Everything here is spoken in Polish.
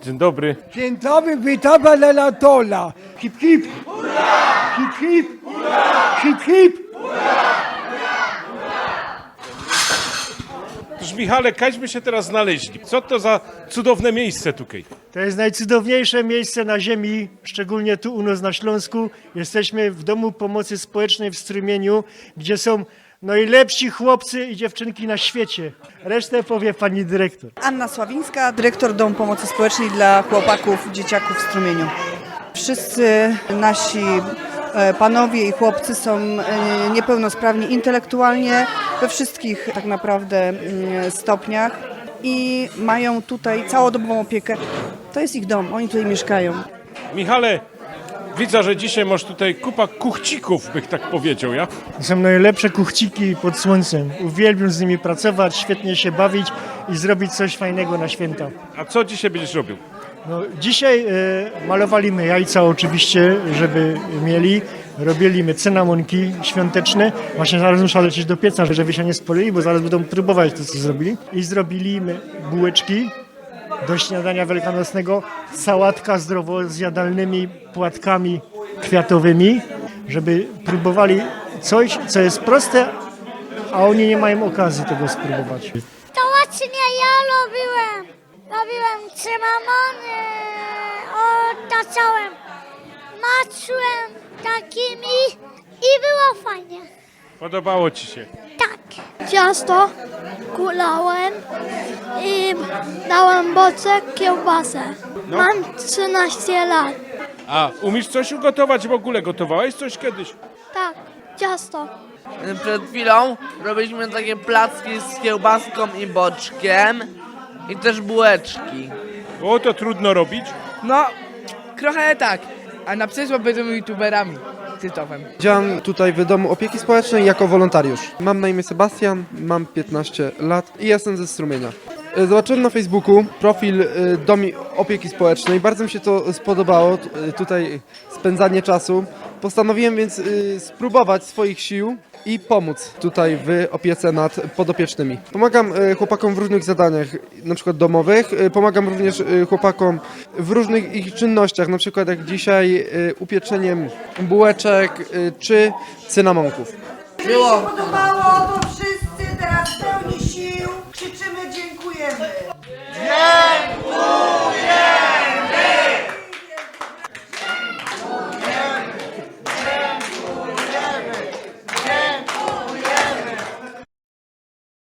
Dzień dobry. Dzień dobry, witamy Anatola. Hip hip. Hurra! Hip hip. Hurra! Hip hip. Otóż Michale, kaśmy się teraz znaleźli. Co to za cudowne miejsce tutaj? To jest najcudowniejsze miejsce na ziemi, szczególnie tu u nas na Śląsku. Jesteśmy w Domu Pomocy Społecznej w Strumieniu, gdzie są najlepsi chłopcy i dziewczynki na świecie. Resztę powie pani dyrektor. Anna Sławińska, dyrektor Domu Pomocy Społecznej dla chłopaków, dzieciaków w Strumieniu. Wszyscy nasi panowie i chłopcy są niepełnosprawni intelektualnie we wszystkich tak naprawdę stopniach i mają tutaj całodobową opiekę. To jest ich dom, oni tutaj mieszkają. Michale, widzę, że dzisiaj masz tutaj kupa kuchcików, bych tak powiedział, ja? To są najlepsze kuchciki pod słońcem. Uwielbiam z nimi pracować, świetnie się bawić i zrobić coś fajnego na święta. A co dzisiaj będziesz robił? No, dzisiaj malowaliśmy jajca oczywiście, żeby mieli. Robiliśmy cynamonki świąteczne. Właśnie zaraz muszę lecieć do pieca, żeby się nie spalili, bo zaraz będą próbować to, co zrobili. I zrobiliśmy bułeczki do śniadania wielkanocnego. Sałatka zdrowo zjadalnymi płatkami kwiatowymi, żeby próbowali coś, co jest proste, a oni nie mają okazji tego spróbować. To właśnie ja robiłem. Robiłem cynamony, otaczałem, maczyłem takimi i było fajnie. Podobało ci się? Tak. Ciasto kulałem i dałem boczek, kiełbasę. No. Mam 13 lat. A umiesz coś ugotować w ogóle? Gotowałeś coś kiedyś? Tak, ciasto. Przed chwilą robiliśmy takie placki z kiełbaską i boczkiem i też bułeczki. O, to trudno robić. No, trochę tak. A na przyszłość będziemy youtuberami. Tytowem. Działam tutaj w Domu Opieki Społecznej jako wolontariusz. Mam na imię Sebastian, mam 15 lat i jestem ze Strumienia. Zobaczyłem na Facebooku profil Domu Opieki Społecznej. Bardzo mi się to spodobało, tutaj spędzanie czasu. Postanowiłem więc spróbować swoich sił i pomóc tutaj w opiece nad podopiecznymi. Pomagam chłopakom w różnych zadaniach, na przykład domowych. Pomagam również chłopakom w różnych ich czynnościach, na przykład jak dzisiaj upieczeniem bułeczek czy cynamonków. Było. Podobało, to wszyscy teraz w pełni sił krzyczymy dziękujemy.